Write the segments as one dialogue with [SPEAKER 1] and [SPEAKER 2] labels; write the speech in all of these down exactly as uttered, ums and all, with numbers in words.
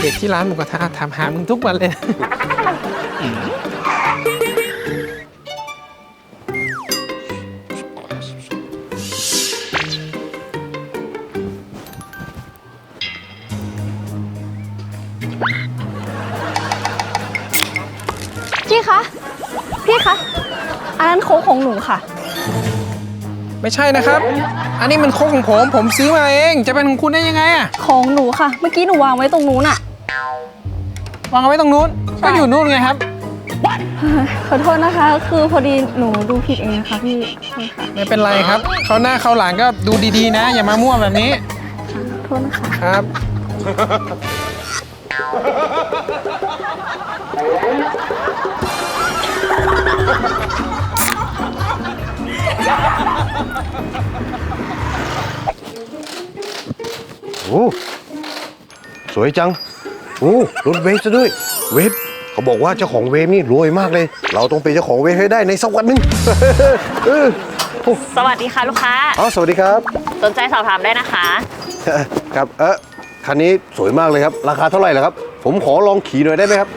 [SPEAKER 1] เด็กที่ร้านหมูกระทะถามหามึงทุกวันเลยนะ
[SPEAKER 2] พี่คะ พี่คะ อันนั้นโค้กของหนูค่ะ
[SPEAKER 1] ไม่ใช่นะครับ อันนี้มันโค้กของผมผมซื้อมาเองจะเป็นของคุณได้ยังไงอะ
[SPEAKER 2] ของหนูค่ะ เมื่อกี้หนูวางไว้ตรงนู้นอะ
[SPEAKER 1] วางเอาไว้ตรงนู้นก็อยู่นู้นไงครับ
[SPEAKER 2] ขอโทษนะคะ คือพอดีหนูดูผิดเองนะคะพี่
[SPEAKER 1] ไม่เป็นไรครับเขาหน้าเขาหลังก็ดูดีๆนะอย่ามามั่วแบบนี้
[SPEAKER 2] ขอโทษนะคะ
[SPEAKER 1] ครับ
[SPEAKER 3] โอ้สวยจังโอ้รถเวฟซะด้วยเวฟเขาบอกว่าเจ้าของเวฟนี่รวยมากเลยเราต้องเป็นเจ้าของเวฟให้ได้ในสักวันหนึ่ง
[SPEAKER 4] สวัสดีค่ะลูกค้า
[SPEAKER 3] อ๋อสวัสดีครับ
[SPEAKER 4] สนใจสอบถามได้นะคะ
[SPEAKER 3] ครับเออคันนี้สวยมากเลยครับราคาเท่าไหร่ล่ะครับผมขอลองขี่หน่อยได้ไหมครับ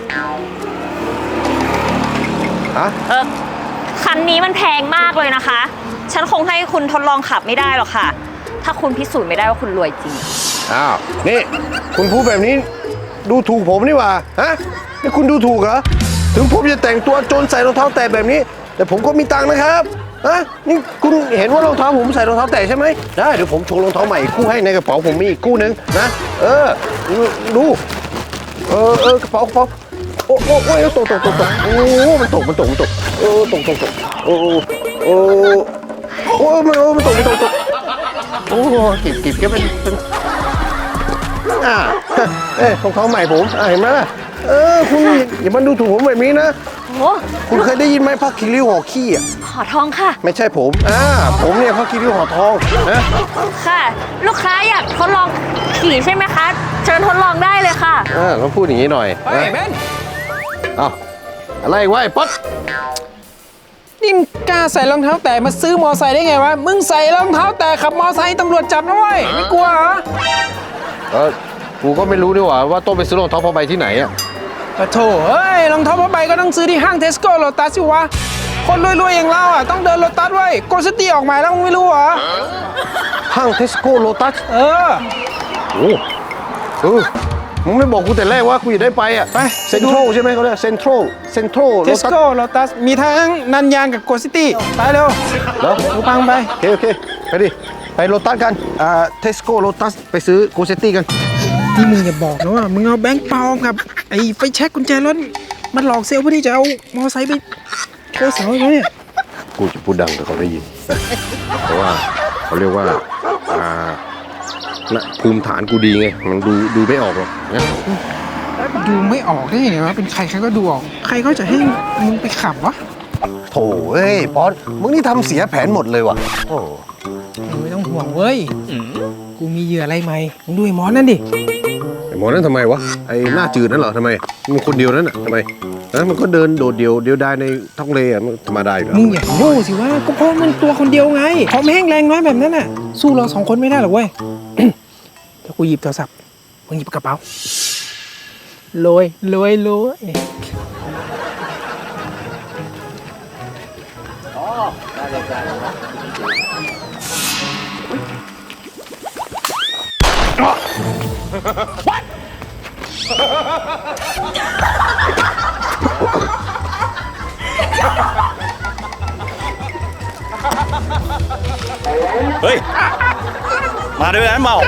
[SPEAKER 3] ฮะ
[SPEAKER 4] เออคันนี้มันแพงมากเลยนะคะฉันคงให้คุณทดลองขับไม่ได้หรอกค่ะถ้าคุณพิสูจน์ไม่ได้ว่าคุณรวยจริง
[SPEAKER 3] อ้าวนี่คุณพูดแบบนี้ดูถูกผมนี่หว่าฮะนี่คุณดูถูกเหรอถึงผมจะแต่งตัวโจรใส่รองเท้าแตะแบบนี้แต่ผมก็มีตังค์นะครับฮะนี่คุณเห็นว่ารองเท้าผมใส่รองเท้าแตะใช่ไหมได้เดี๋ยวผมโชว์รองเท้าใหม่อีกคู่ให้ในกระเป๋าผมมีอีกคู่นึงนะเออดูเออเออกระเป๋ากระเป๋าโอ้โอ้โอ้ยตกตกตกตกโอ้มันตกมันตกมันตกโอ้ตกตกตกโอ้โอ้โอ้มันมันตกมันตกตกโอ้กิบกิบก็เป็นเป็นอ่าเอ้รองเท้าใหม่ผมอ่าเห็นไหมล่ะเออคุณอย่ามาดูถูกผมแบบนี้นะ
[SPEAKER 4] โอ้
[SPEAKER 3] คุณเคยได้ยินไหมผ้าคีริ้วห่อขี้อ่ะ
[SPEAKER 4] ห่อทองค่ะ
[SPEAKER 3] ไม่ใช่ผมอ่าผมเนี่ยผ้าคีริ้วห่อทองนะ
[SPEAKER 4] ค่ะลูกค้าอยากทดลองขี่ใช่ไหมคะเชิญทดลองได้เลยค่ะ
[SPEAKER 3] อ่าต้องพูดอย่างนี้หน่อย
[SPEAKER 1] เฮ้ยเบน
[SPEAKER 3] อ้าวอะไรวะไอ้ป๊อต
[SPEAKER 1] นี่กล้าใส่รองเท้าแตะมาซื้อมอไซค์ได้ไงวะมึงใส่รองเท้าแตะขับมอไซค์ตำรวจจับนะเว้ยไม่กลัวเหรอ
[SPEAKER 3] เออกูก็ไม่รู้ด้วยว่าว่าต้องไปซื้อรองเท้าผ้าใบที่ไหนอ่ะ
[SPEAKER 1] ปะโถเฮ้ยรองเท้าผ้าใบก็ต้องซื้อที่ห้างเทสโก้โลตัสสิวะคนรวยๆอย่างเราอ่ะต้องเดินโลตัสไว้โกสตี้ออกมาแล้วมึงไม่รู้เหรอ
[SPEAKER 3] ห้างเทสโก้โลตัส
[SPEAKER 1] เออ
[SPEAKER 3] โอ้เออมึงไม่บอกกูแต่แรกว่ากูอยากได้ไปอ่ะไปเซ็นทรัลใช่ไหมเขาเรียกเซ็นทรัลเซ็นทรัล
[SPEAKER 1] เทสโก้โลตัสมีทั้งนันยางกับโกสตี้ไปเร็ว
[SPEAKER 3] แล้ว
[SPEAKER 1] กูพังไป
[SPEAKER 3] โอเคโอเคไปดิไปโลตัสกันอ่าเทสโก้โลตัสไปซื้อโกสตี้กัน
[SPEAKER 1] นี่มึงอย่าบอกนะว่ามึงเอาแบงค์ปลอมกับไอ้ไฟแช็กกุญแจรถมันหลอกเซลล์เพื่อที่จะเอามอไซค์ไปโชว์สาวเขาเนี่ย
[SPEAKER 3] กูจะพูดดังแต่เขาได้ยินเพราะว่าเขาเรียกว่าอ่าภูมิฐานกูดีไงมันดูดูไม่ออกหรอกนะ
[SPEAKER 1] ดูไม่ออกได้ไงวะเป็นใครใครก็ดูออกใครก็จะให้มึงไปขับวะ
[SPEAKER 3] โถ่เอ้ยป๊อตมึงนี่ทำเสียแผนหมดเลยว่ะโอ้
[SPEAKER 1] ไม่ต้องห่วงเว้ยกูมีเหยื่ออะไรใหม่มึงดูไอ้หมอนั่นดิ
[SPEAKER 3] ไอ้หมอนั่นทำไมวะไอ้หน้าจืดนั่นเหรอทำไมมันคนเดียวนั่นอ่ะทำไมนะมันก็เดินโดดเดี่ยวเดียวดายในท้องเลอ่ะมันธรรมดาอยู่แล้ว
[SPEAKER 1] มึงอย่าโง่สิว่าก็เพราะมันตัวคนเดียวไงพอแห้งแรงน้อยแบบนั้นน่ะสู้เราสองคนไม่ได้หรอกเว้ยเดี๋ยวกูหยิบโทรศัพท์มึงหยิบกระเป๋าโรยโรยโรยอ๋อได้เลยได้เลยWhat?
[SPEAKER 5] เฮ้ยมาด้วยนะเมา